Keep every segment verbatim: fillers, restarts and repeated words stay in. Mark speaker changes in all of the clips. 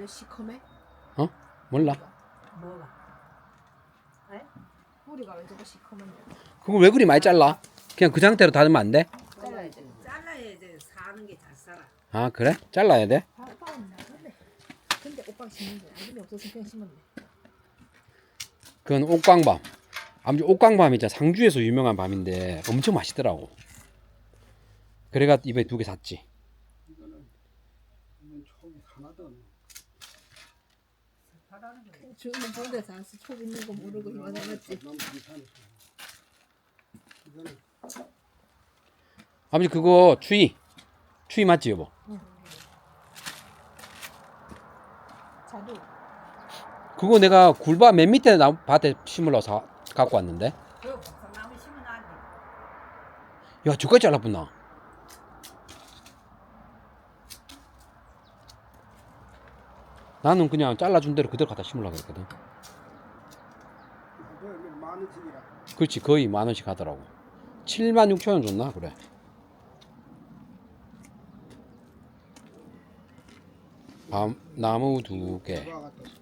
Speaker 1: 시커매?
Speaker 2: 어? 몰라.
Speaker 3: 뭐가? 에?
Speaker 1: 뿌리가 왜 저거 시커먼데?
Speaker 2: 그거 왜 그리 많이 잘라? 그냥 그 상태로 닫으면 안 돼?
Speaker 3: 잘라야 돼. 잘라야 돼. 사는 게 잘 살아.
Speaker 2: 아 그래? 잘라야 돼?
Speaker 1: 아, 오빠는 나갔네. 근데 오빠가 심는 거야. 아줌이 없어서 그냥 심었네.
Speaker 2: 그건 옥광밤. 아무튼 옥광밤이 있잖아. 상주에서 유명한 밤인데 엄청 맛있더라고. 그래가 이번에 두 개 샀지.
Speaker 4: 이거는 이건 촉이 하나도 없네.
Speaker 3: 바라는 게
Speaker 1: 주는 좋은 데서 안 쓰, 촉 있는 거 모르고 이만 해봤지.
Speaker 4: 너무 괜찮았어. 이거는
Speaker 2: 아버지 그거 추위. 추위 맞지 여보?
Speaker 1: 자두.
Speaker 2: 그거 내가 굴밭 맨 밑에 나 밭에 심으러 사 갖고 왔는데.
Speaker 3: 그 복숭나무 심은 아니.
Speaker 2: 야 저까지 잘라붙나? 나는 그냥 잘라준 대로 그대로 갖다 심으려고 했거든.
Speaker 4: 이거 만 원씩이라.
Speaker 2: 그렇지 거의 만 원씩 하더라고. 칠만 육천 원 줬나 그래. 밤 나무 두 개.
Speaker 4: 누가 갖다 줘.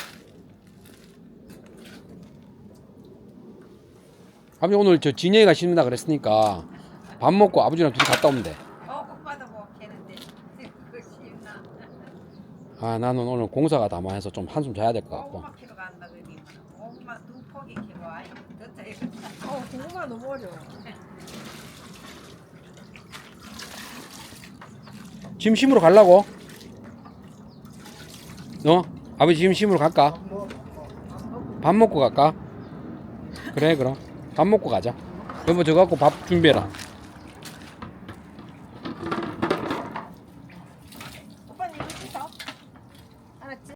Speaker 2: 아버지 오늘 저 진영이가 심는다 그랬으니까 밥 먹고 아버지랑 둘이 갔다 오면 돼.
Speaker 3: 어, 오빠도 못 캐는데. 그거 심나.
Speaker 2: 아 나는 오늘 공사가 담아해서 좀 한숨 자야 될 것 같고.
Speaker 3: 고구마 키로 간다 그러니. 고구마 두 포기 키로 아이. 더 짜이가.
Speaker 1: 어, 고구마 너무 어려워.
Speaker 2: 짐 심으러 가려고? 어? 아버지 짐 심으러 갈까?
Speaker 4: 뭐,
Speaker 2: 밥 먹고 갈까? 그래 그럼 밥 먹고 가자. 여보 저거 갖고 밥 준비해라.